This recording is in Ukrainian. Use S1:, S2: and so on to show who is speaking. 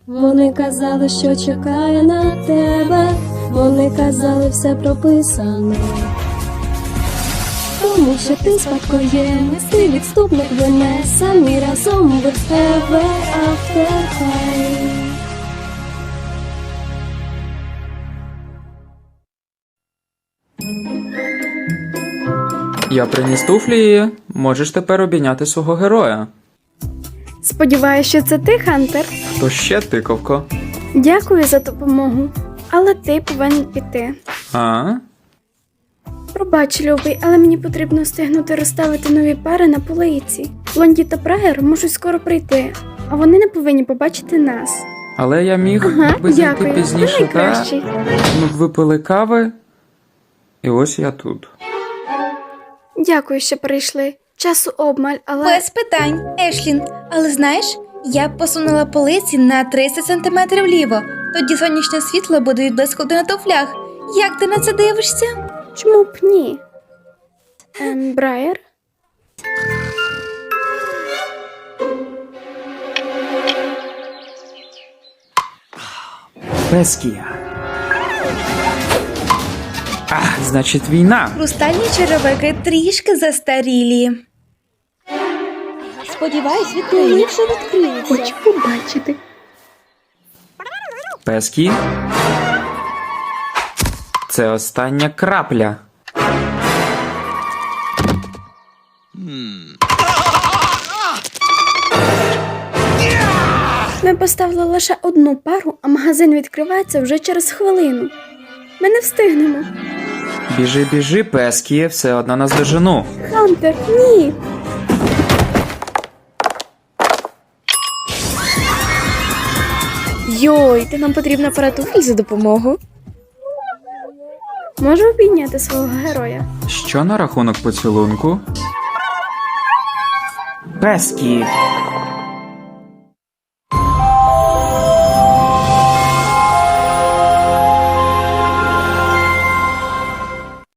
S1: Вони казали, що чекає на тебе. Вони казали, все прописано. Тому що ти спадкоємець, ти відступник вине, самі разом без тебе after high.
S2: Я приніс туфлі, можеш тепер обійняти свого героя.
S3: Сподіваюся, що це ти, Хантер.
S2: Хто ще, тиковко?
S3: Дякую за допомогу. Але ти повинен піти.
S2: А?
S3: Пробач, любий, але мені потрібно встигнути розставити нові пари на полиці. Блонді та Брайер можуть скоро прийти, а вони не повинні побачити нас.
S2: Але я міг
S3: Ага,
S2: би зайти
S3: дякую.
S2: пізніше,
S3: Ти
S2: та?
S3: найкращий.
S2: Ми б випили кави, і ось я тут.
S3: Дякую, що прийшли. Часу обмаль, але...
S4: Без питань, Ешлін. Але знаєш, я б посунула полиці на 30 см вліво. Тоді сонячне світло буде відблискувати на туфлях. Як ти на це дивишся?
S3: Чому б ні? Брайер?
S2: Пескія. Значить, війна.
S4: Хрустальні черевики трішки застарілі.
S1: Сподіваюсь, відкриється.
S3: Хочу побачити.
S2: Пескі. Це остання крапля.
S3: Ми поставили лише одну пару, а магазин відкривається вже через хвилину. Ми не встигнемо.
S2: Біжи, біжи, Пескі, все одно наздожену.
S3: Хантер, ні!
S5: Йой, ти нам потрібна пара туфель за допомогу.
S3: Можу обійняти свого героя.
S2: Що на рахунок поцілунку? Пескі.